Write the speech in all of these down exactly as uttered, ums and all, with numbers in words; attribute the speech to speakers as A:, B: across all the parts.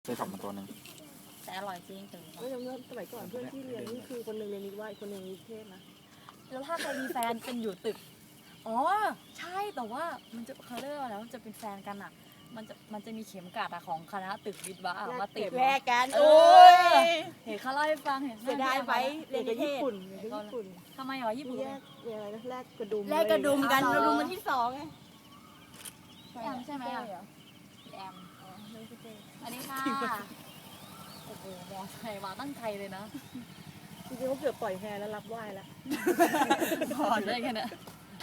A: เคยขับมาตัวหนึ่ง
B: แต่อร่อยจริงถึง
C: เมื่อสมัยก่อนเพื่อนที่เรียนนี่คือคนหนึ่งเรียนนิว่าอีกคนหนึ่งนิเทศนะ
B: แล้วถ้าใครมีแฟนเป็นอยู่ตึกอ๋อใช่แต่ว่ามันจะเขาเรียกว่าแล้วจะเป็นแฟนกันอ่ะมันจะมันจะมีเข็มกลัดอะของคณะตึกวิทย์วะอะมาติด
C: แลกกัน
B: โอ้ยเห็นเขาเล่าให้ฟังเห็น
C: เสียดายไปเรียนกับญี่ปุ่นเรียนกับญี่ปุ่น
B: ทำไมหรอญี่ปุ่น
C: แยกเรียนอะไรนะแลกกระดุม
D: แลกกระดุมกันกระดุมมันที่สองไง
B: พี่แอมใช่ไหมอ่ะพี่แอมอันนี้ค่ะโอ้โหมอไซค์มาตั้งใจเลยนะ
C: จริงๆเขาเกือบปล่อยแพรแล้วรับไหว้แล้ว
B: พอได้แค่นั้น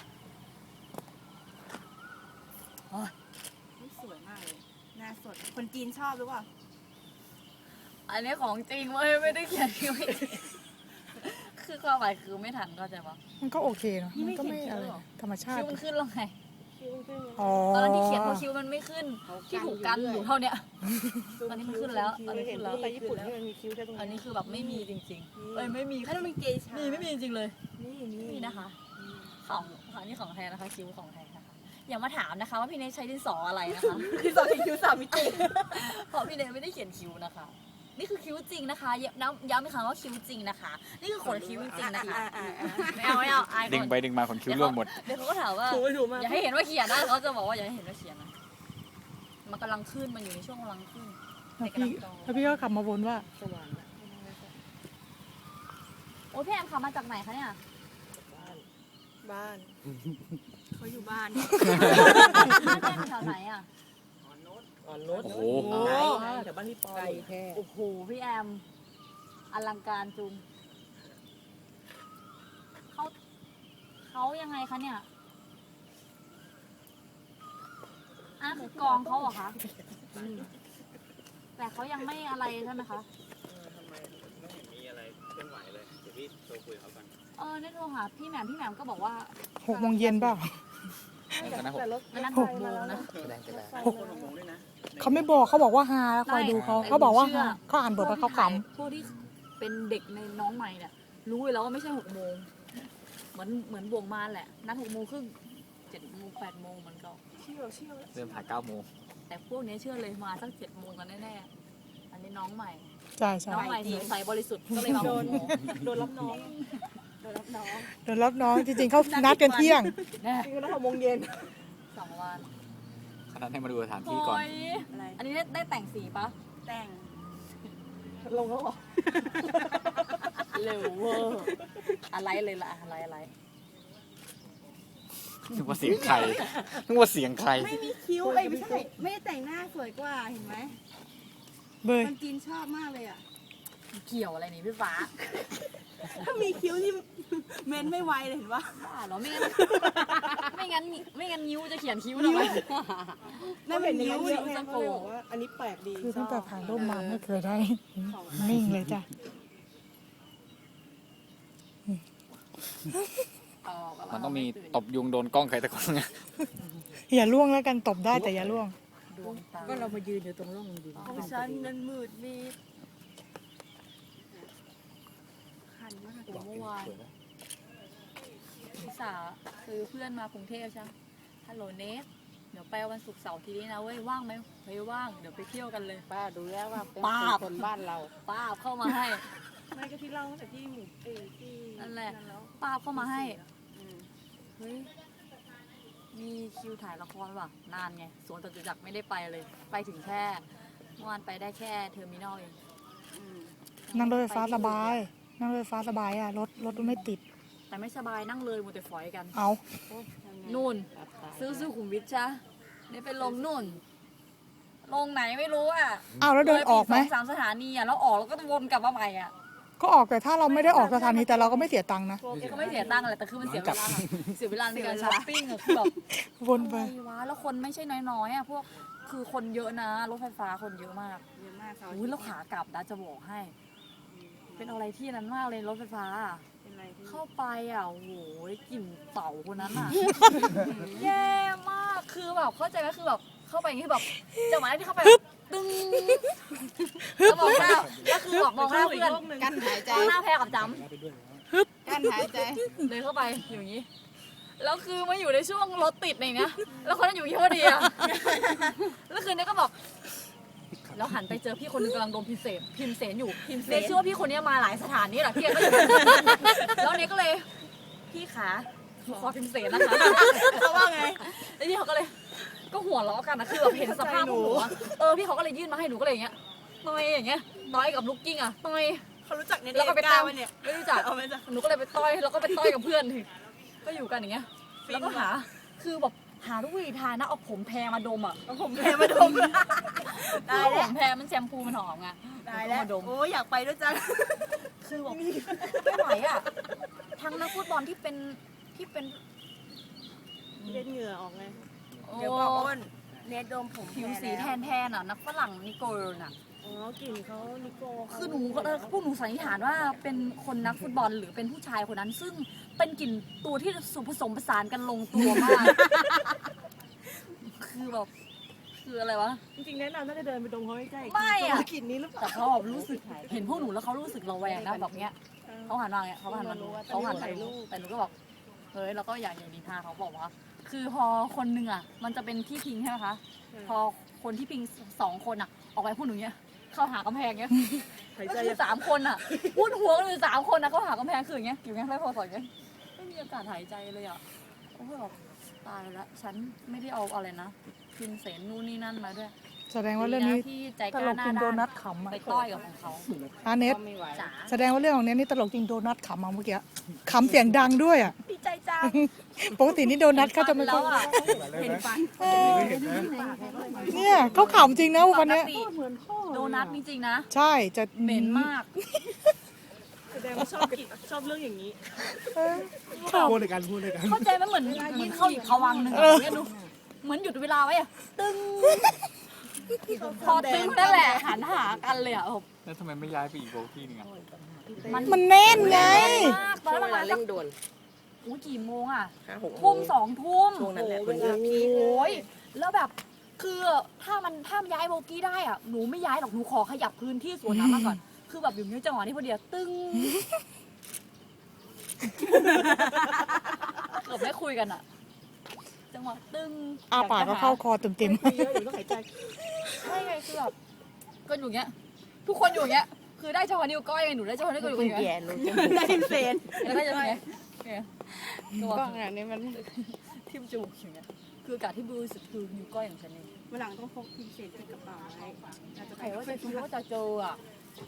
D: สวยมากเลยหน้าสดคนจีนชอบหรือเปล่า
B: อันนี้ของจริงเว้ยไม่ได้เขียนคิวไม่คือความหมายคือไม่ทันเข้าใจปะ
E: มันก็โอเคเนาะมันก็ไม่อะไรธรรมชา
B: คิ
E: ติ
B: วมันขึ้นแล้วไง
C: คิ้วขึ้น
E: อ๋อ
B: ตอนนั้นที่เขียนเพราะคิวมันไม่ขึ้นที่ถูกกันอยู่เท่าเนี้ย ตอนนี้มันขึ้นแล้วตอนนี้
C: เห็
B: ขึ้
C: น
B: นแล้ว
C: ไปญี่ปุ่นที่มันมีคิ้วแค่ตรง
B: อัน
C: นี้
B: นี้คือแบบไม่มีจริงๆเอ้ยไม่มี
D: ถ้าต้องเป็นเกย์ชา
B: มีไม่มีจริงๆเลย
C: นี่นี่
B: นี่นะคะ ของของนี่ของแท้นะคะคิวของแท้นะคะอย่ามาถามนะคะว่าพี่เนทใช้ดินสออะไรนะคะ
D: คือสองคิ้วสามมิติ
B: เพราะพี่เนทไม่ได้เขียนคิวนะคะ นี่คือคิ้วจริงนะคะย้ำย้ำอีกครั้งว่าคิ้วจริงนะคะ นี่คือขนคิ้วจริงๆนะคะไม่เอาไม่เอาอายค
A: ดึง
B: น
A: ไปดึงมาขนคิ้วร่วงหมด
B: เดี๋ยวเขาก็ถามว่า
C: ถูกไม่ถูกมาก
B: อย่าให้เห็นว่าเขียนนะเขาจะบอกว่าอย่าให้เห็นว่าเขียนนะมันกำลังขึ้นมันอยู่ในช่วงกำลังขึ้น
E: แล้วพี่แล้วพี่ก็ขับมาบนว่า
C: สว่าง
B: โอ้ยพี่แอมขับมาจากไหนคะเนี่ย
C: บ้าน
D: เขาอยู่บ้าน
B: บ้านแม่อยู่แถวไหนอ่ะ
C: อ่อนรถ
A: โอ้โห
C: ไกลไงแต่บ้านพี่ปอไกลแค่
B: โอ้โหพี่แอมอลังการจุงเขาเขายังไงคะเนี่ยอ่ะคือกองเขาเหรอคะแต่เขายังไม่อะไรใช่ไหมคะ
F: ทำไมไม่เห็นมีอะไรเคลื่อนไหวเลย เดี๋ยวพี่โทรคุยกับเขาก่อน
B: เออได้โทรหาพี่แหม่มพี่แหม่มก็บอกว่า
E: หกโมงเย็นเปล่า
C: แต่รถ
B: อันนั้น
C: ห
B: ห
C: ก
B: ก
C: โม
B: โม
C: ง
B: ง
C: นะ
B: นะ
E: หก
F: คนงงด้วยนะ
E: เขาไม่บอกเขาบอกว่าฮาแล้วคอยดูเขาเขาบอกว่าฮาเขาอ่านบทแล้วเขาข
B: พวกที่เป็นเด็กในน้องใหม่เนี่ยรู้อยู่แล้วว่าไม่ใช่หกโมงเหมือนเหมือนบวงมาแหละนัดหกโมงครึ่งเจ็ดโมงแปดโมงมันก็
C: เชี่ยวเชี่ยว
A: เริ่มถ่ายเก้าโมง
B: แต่พวกนี้เชื่อเลยมาสักเจ็ดโมงกันแน่ๆอันนี้น้องใหม่
E: ำใช่ใช่
B: น้องใหม่ใสบริสุทธิ์ก็เลยมา
C: โด
B: ห
C: น
B: กโมง
C: โดนรับน้องโดนรับน้อง
E: เดี๋ยวรับน้องจริงๆเขานัดกันเที่ยง
B: แน่
C: จริงๆแล้วหกโมงเย็น
B: สองวัน
A: ขนาดให้มาดูสถานที่ก่อน
B: โย
D: อะไร
B: อันนี้ได้ได้แต่งสีปะ
D: แต่ง
C: ลงแล้วเหรอ
B: เร็วเวอร์อะไรเลยล่ะอะไรอะไร
A: นึกว่าเสียงใคร นึกว่าเสียงใคร
D: ไม่มีคิ้วเอ้ยไม่ใช่ไม่ได้แต่งหน้าสวยกว่าเห็นไหม
E: เบย
D: คนจีนชอบมากเลยอ่ะ
B: เกี่ยวอะไรนี่พี่ฟ้า
D: ถ้ามีคิ้วนี่เมนไม่ไวเลยเห็นปะ
B: บ้าเหรอไม่งั้นไม่งั้นไม่งั้นนิ้วจะเขียนคิ้วทำไม
C: น่าเห็นนิ้วเยอะไงเขาเลยบอกว่าอันนี้แปลกดี
E: คือตั้งแต่ถ่ายรูปมาไม่เคยได้ นิ่งเลยจ้ะ
A: มันต้องมีตบยุงโดนกล้องใครแต่คนไง
E: อย่าล่วงแล้วกันตบได้แต่อย่าล่วง
B: ดวงตา
C: ก็เรามายืนอยู่ตรงร่องดิน
D: ของฉันนั้นมืดมิดคันมาก
B: เมื่อวานพี่สาวคือเพื่อนมากรุงเทพใช่ไหมฮัลโหลเนสเดี๋ยวไปวันศุกร์เสาร์ทีนี้นะเว้ยว่างไหมเฮ้ยว่างเดี๋ยวไปเที่ยวกันเลย
C: ป้าดูแล้วว่าเป็น
B: ป้าบ
C: คนบ้านเรา
B: ป้าบเข้ามาให้
C: ไม่ก็ที่เล่าตั้งแต่ที่หมู่เอ้ยที่
B: นั่นแหละ
C: แล้ว
B: ป้าบเข้ามาให้
C: อืม
B: เฮ้ยมีคิวถ่ายละครว่ะนานไงสวนจตุจักรไม่ได้ไปเลย ไปถึงแค่เมื่อวานไปได้แค่เทอร์มินอลเอง
D: อืม
E: นั่งรถไฟฟ้าสบาย นั่งรถไฟฟ้าสบายอ่ะรถรถไม่ติด
B: แต่ไม่สบายนั่งเลยมัวแต่ฝอยกัน
E: เอา
B: นู่น ซื้อซื้อขุมวิทจ้ะนี่ไปลงนู่น ลงไหนไม่รู้อ่ะ
E: เอาแล้วเดินออกไหม
B: เลยปสองสามสถานีอ่ะแล้วออกแล้วก็วนกลับมาใหม่อ่ะ
E: ก็ออกแต่ถ้าเราไม่ได้ออกสถานีแต่เราก็ไม่เสียตังค์นะ
B: ก็ไม่เสียตังค์แหละแต่คือมันเสียเวลาเสียเวลาในการช้อปปิ้งอะคือแบบ
E: วนไป
B: อะไรวะแล้วคนไม่ใช่น้อยๆอ่ะพวกคือคนเยอะนะรถไฟฟ้าคนเยอะมาก
D: เยอะมากเสาร์อาทิ
B: อุ้
D: ต
B: ย
D: ย์
B: แล้วขากลับนะจะบอกให้ เป็นอะไรที่นั้นมากเลยรถไฟฟ้าอะ
D: เป็นอะไรที่
B: เข้าไปอ่ะโอ้โหกลิ่นเต่าคนนั้นอ่ะ แย่มากคือแบบเข้าใจไหมคือแบบเข้าไปอย่างนี้แบบจังหวะที่เข้าไปแบบตึ้งแล้วมองหน้าแล้วคือแบบมองหน้าเพื่อน
D: กั้นหายใจ
B: มองหน้าแพรกับจ
D: กั้นหายใจ
B: ำเดินเข้าไปอยู่อย่างนี้แล้วคือมาอยู่ในช่วงรถติดในเนี้ยแล้วคนนั้นอยู่ที่พอดีอ่ะแล้วคืนนี้ก็แบบแล้วหันไปเจอพี่คนหนึงกำลังโดนพิมเสนพิมเสนอยู่พิมเสนเชื่อว่าพี่คนนี้มาหลายสถานนี่แหละพี่ก็อยู่ แล้วเนี้ยก็เลยพี่ขาหนูขอพิมเสนนะคะ
D: เขาว่าไง
B: แล้วพี่เขาก็เลยก็หัวเราะกันนะคือแบบเห็นสภาพพวกหนูอะเออพี่เขาก็เลยยื่นมาให้หนูก็เลยอย่างเงี้ยน้อยอย่างเงี้ยน้อยกับลูกกิ้งอะน้อย
D: เขารู้จักใน
B: แล้วก็ไป
D: ก้า
B: ตั้ง
D: วเนี่ย
B: ไม่รู้จัก
D: เอาไหมจ๊ะ
B: หนูก็เลยไปต้อยแล้วก็ไปต้อยกับเพื่อนถึงก็อยู่กันอย่างเงี้ยแล้วก็หาคือแบบหาทุกวิธีทางนะเอาผมแพรมาดมอ่ะ
D: เอาผมแพ้มาดม
B: คื
D: ตาย
B: อผ
D: แล้ว
B: มแพรมันแชมพูมันหอมไง
D: ตายแล้ว
B: มาดม
D: โอ้ยอยากไปด้วยจัง
B: คือแบบไม่ไหวอ่ะทั้งนักฟุตบอลที่เป็นที่เป็น
C: เล่นเหงื่อออกไง
D: เดี๋ยวบอกอ้นเนทดมผม
B: ผิวสีแทนแทนอ่ะนักฝรั่งนิโกลน่ะ
C: อ๋อกลิ่นเขานิโก้
B: คือหนูก็เออพวกหนูสันนิษฐานว่าเป็นคนนักฟุตบอลหรือเป็นผู้ชายคนนั้น ซึ่งเป็นกลิ่นตัวที่สุผสมผสานกันลงตัวมาก คือแบบคืออะไรวะ
C: จริงๆแนะนำน่าจะเดินไปดมเขาใกล้ๆ
B: ไม่อะ
C: กลิ่นนี้หรือเปล่า
B: แต่เขาแบบรู้สึกเห็นพวกหนูแล้วเขารู้สึกระแวงนะแบบเนี้ยเขาหันมาเนี้ยเขาหันมาดูเขาหันมาดูแต่หนูก็บอกเฮ้ยเราก็อยากอย่างนิทาเขาบอกว่า คือพอคนหนึ่งอ่ะ มันจะเป็นที่พิงใช่ไหมคะพอคนที่พิงสองคนอ่ะ ออกไปพวกหนูเนี้ยเข้าหากำแพงเนี้ย
C: หาย
B: ก็
C: ใจ
B: คือสามคนอ่ะพูดหัวกันอยู่สามคนอ่ะเขาหากำแพงคืออย่างเงี้ยอยู่เงี้ยไม่พอสอยเงี้ยไม่มีอากาศหายใจเลยอ่ะโอ้โหแบบตายแล้วฉันไม่ได้เอาอะไรนะพิมเสนนู่นนี่นั่นมาด้วย
E: แสดงว่าเรื่องนี้
B: ที่ใจ
E: ต
B: ก
E: ล
B: ล้าก หน้า
E: จริงโด
B: ด้าน
E: นัทขำอ่ะ
B: ไปต้อยกับของเขา
E: อาเน็ต
B: จ๋า
E: แสดงว่าเรื่องของเน็ตนี่ตลกจริงโดนัทขำมาเมื่อกี้ขำเสียงดังด้วยอ่ะ
B: ดีใจจัง
E: ปกตินี่โดนัทเขาจะไม่
B: แล้
E: ค่อ
B: วย อ่ะ
C: เห็นฟัน
E: เออเนี่ยเขาขำจริงนะ
B: ป
E: วัน
B: ก
E: เนี้ย
B: ติโดนัทจริงๆนะ
E: ใช่จะ
B: เหม็นมาก
C: แสดงว่าชอบกินชอบเรื่องอย่างนี้
E: เออข
G: พูดในการพูดในการ
B: เข้าใจไหมเหมือนเหมือนเข้าอีกภวังค์หนึ่งอะเนี่ยดูเหมือนหยุดเวลาไว้อะตึ้งพอตึ้งนั่นแหละหันหากันเลยอ่ะ
A: แล้วทำไมไม่ย้ายไปอีกโบกี้นึงอ่ะ
B: มัน
E: ำมันแน่นไง
B: มากตอนนั้นประมาณสัก
C: ด่วน
B: อู้กี่โมงอ่ะ
C: ห้าหก
B: ทุ่มสองทุ่ม
C: ช่วงนั้นแหละ
B: โอ้โหโอ้ยแล้วแบบคือถ้ามันถ้าย้ายโบกี้ได้อ่ะหนูไม่ย้ายหรอกหนูขอขยับพื้นที่สวนน้ำมาก่อน คือแบบอยู่ในจังหวะนี้พอดีอะตึ้งเกือบไม่คุยกันอ่ะ จังหวะตึ้ง
E: อาปากก็เข้าคอเต็ม
C: เยอะอยู่ต้องหายใจ
B: ใช่ไงคือแบบก็อยู่อย่างเงี้ย ทุกคนอยู่อย่างเงี้ย คือได้เฉพาะนิ้วก้อยไงหนูได้เฉพาะนิ้วก้อยอยู่อย่างเงี้ย
D: ได้พิมเซน
B: แล้วก็จะอย่างเงี้ยเนี่ยตัว
C: ก็งานนี้มัน
B: ทิ่มจมูกอย่างเงี้ยคืออากาศที่บริสุทธิ์คือนิ้วก้อยของฉันเอง
D: วันหลังต้องพกพิมเซนติดกระเป๋าไว้อาจจะ
B: ใครว่าจะคิดว่าจะเจออ่ะ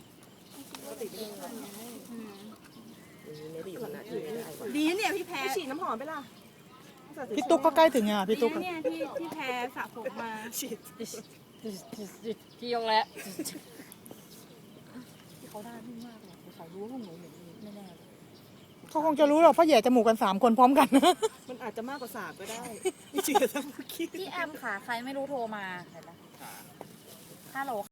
D: ดีนะเนี่ยพี่แพ้
C: ฉีดน้ำหอมไปล่ะ
E: ๆพี่ตุ๊กก็ใกล้ถึงอ่ะพี่ตุ๊กอะ
D: เนี่ยที่ที่แพ้สระผมมา
C: ฉีด
B: พี่ยกแล้วที่เขาได้ที่มากเลยเขารู้ว่าพวกหนูเหม็นแน่ๆเลย
E: เขาคงจะรู้หรอกเพราะแย่จมูกกันสามคนพร้อมกัน
C: มันอาจจะมากกว่าสามก็ได้ไม่ฉีดทั้งเมื่อกี้
B: พี่แอมค่ะ ใครไม่รู้โทรมาเห็นไหมฮัลโหล